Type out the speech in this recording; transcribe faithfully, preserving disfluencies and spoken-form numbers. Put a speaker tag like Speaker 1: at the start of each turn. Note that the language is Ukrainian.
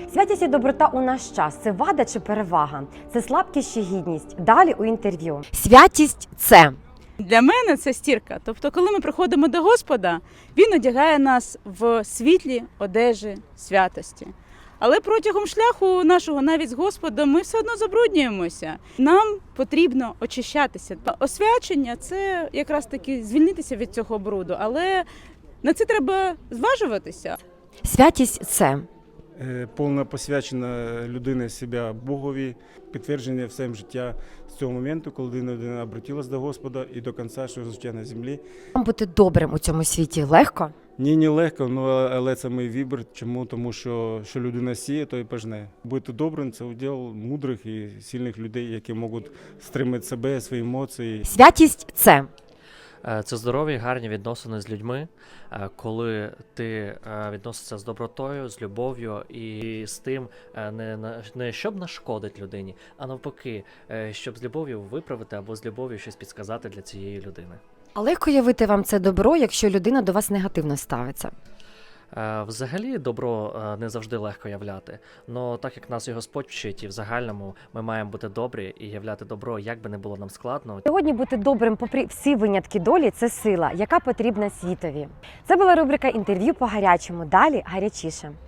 Speaker 1: Святість і доброта у наш час – це вада чи перевага? Це слабкість чи гідність? Далі у інтерв'ю. Святість – це...
Speaker 2: Для мене це стірка. Тобто, коли ми приходимо до Господа, Він одягає нас в світлі одежі святості. Але протягом шляху нашого навіть з Господом ми все одно забруднюємося. Нам потрібно очищатися. Освячення – це якраз таки звільнитися від цього бруду, але на це треба зважуватися.
Speaker 1: Святість – це...
Speaker 3: Повна посвячена людина себе Богові, підтвердження в своєму життя з цього моменту, коли людина обратилась до Господа і до кінця свого життя на землі.
Speaker 1: Вам бути добрим у цьому світі легко?
Speaker 3: Ні, не легко, але це мій вибір. Чому? Тому що, що людина сіє, то і пожне. Бути добрим – це уділ мудрих і сильних людей, які можуть стримати себе, свої емоції.
Speaker 1: Святість – це...
Speaker 4: Це здорові, гарні відносини з людьми, коли ти відносишся з добротою, з любов'ю і з тим, не, не щоб нашкодити людині, а навпаки, щоб з любов'ю виправити або з любов'ю щось підсказати для цієї людини.
Speaker 1: А легко явити вам це добро, якщо людина до вас негативно ставиться?
Speaker 4: Взагалі добро не завжди легко являти, але так як нас і Господь вчить, і в загальному ми маємо бути добрі і являти добро, як би не було нам складно.
Speaker 1: Сьогодні бути добрим попри всі винятки долі – це сила, яка потрібна світові. Це була рубрика «Інтерв'ю по гарячому». Далі гарячіше.